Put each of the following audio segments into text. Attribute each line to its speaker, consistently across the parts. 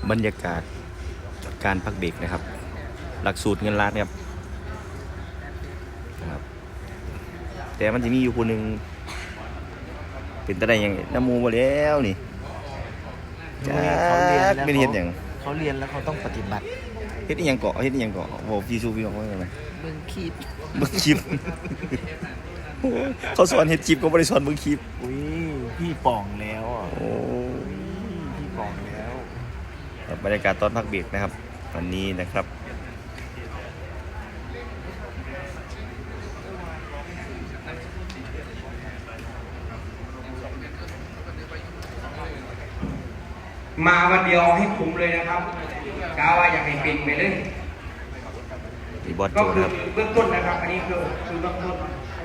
Speaker 1: บรรยากาศการพักเบรกนะครับหลักสูตรเงินล้านครับแต่มันจะมีอยู่คนหนึ่งเป็นตะได้ยังน้ำมูมาแล้วนี่จ้าไม่เห็นอย่าง
Speaker 2: เขาเรียนแล้วเขาต้องปฏิบัติ
Speaker 1: เฮ็ดยังเกาะบอกพี่ชูพี่บอกว่าไง
Speaker 2: เบิ่งคลิป
Speaker 1: เขาสอนเฮ็ดคลิปก็ไม่ได้สอนเบิ่งคลิป
Speaker 2: อุ้ยพี่ป่องแล้วอ่ะ
Speaker 1: โอ้
Speaker 2: พี่ป่องแล้ว
Speaker 1: บรรยากาศตอนพักเบรกนะครับวันนี้นะครับ
Speaker 3: มาวันเดียวให้คุ้มเลยนะครับกาว่าอยากให้เป็นไปเลย
Speaker 1: บอสโจ
Speaker 3: ก็คือ
Speaker 1: ครับ
Speaker 3: เบื้องต้นนะครับอันนี้คือเบื้องต้น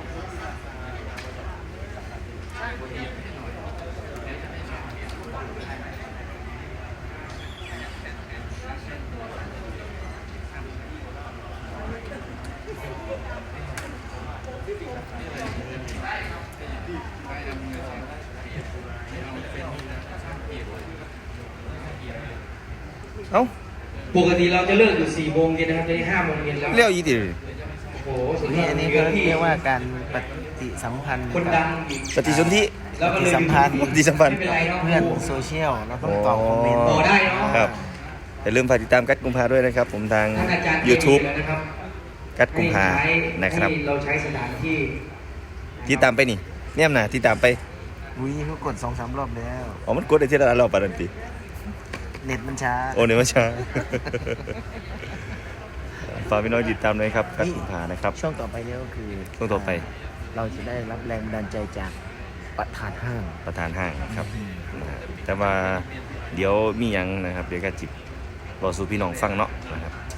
Speaker 1: เอ้า
Speaker 3: ปกติเราจะเลิกอยู่4 โมงเย็นนะครับตอนนี้5 โมงเย็นแล้ว
Speaker 1: เลี้ยวยี่ติ
Speaker 3: โอ้โหสุดยอด
Speaker 2: อันนี้เขาเรียกว่าการปฏิสัมพันธ์
Speaker 3: คนดัง
Speaker 1: ปฏิสนธิ
Speaker 3: แล้วก็เลย
Speaker 2: สัมพันธ์
Speaker 1: ปฏิสัมพันธ์
Speaker 3: ไม่เป็นไรเนาะ
Speaker 2: เพื่อนโซเชียลเราต้องตอบคอมเมนต์
Speaker 3: โอ้ได้เนาะ
Speaker 1: ครับอย่าลืมฝากติดตามกัดกุมภาด้วยนะครับผมทาง
Speaker 3: ท่านอาจารย์
Speaker 1: YouTube
Speaker 3: นะครับ
Speaker 1: กัดกุมภานะครับ
Speaker 3: เราใช้สถานที่
Speaker 1: ที่ตามไปนี่เนี่ยนะที่ตามไป
Speaker 2: อุ้ยเขากด2-3 รอบแล้ว
Speaker 1: อ๋อมันกดได้ที่ละรอบปานนั้นติ
Speaker 2: เน็ตมันช้า
Speaker 1: โอ้เนี่ยมาช้าฝากพี่น้องติดตามด้วยครับกัดกุมภานะครับ
Speaker 2: ช่วงต่อไปเนี่ยก็คือ
Speaker 1: ช่วงต่อไป
Speaker 2: เราจะได้รับแรงบันดาลใจจากประธานห้าง
Speaker 1: นะครับแต่ว่าเดี๋ยวมีหยังนะครับเดี๋ยวก็จิบรอสู่พี่น้องฟังเนาะนะครับ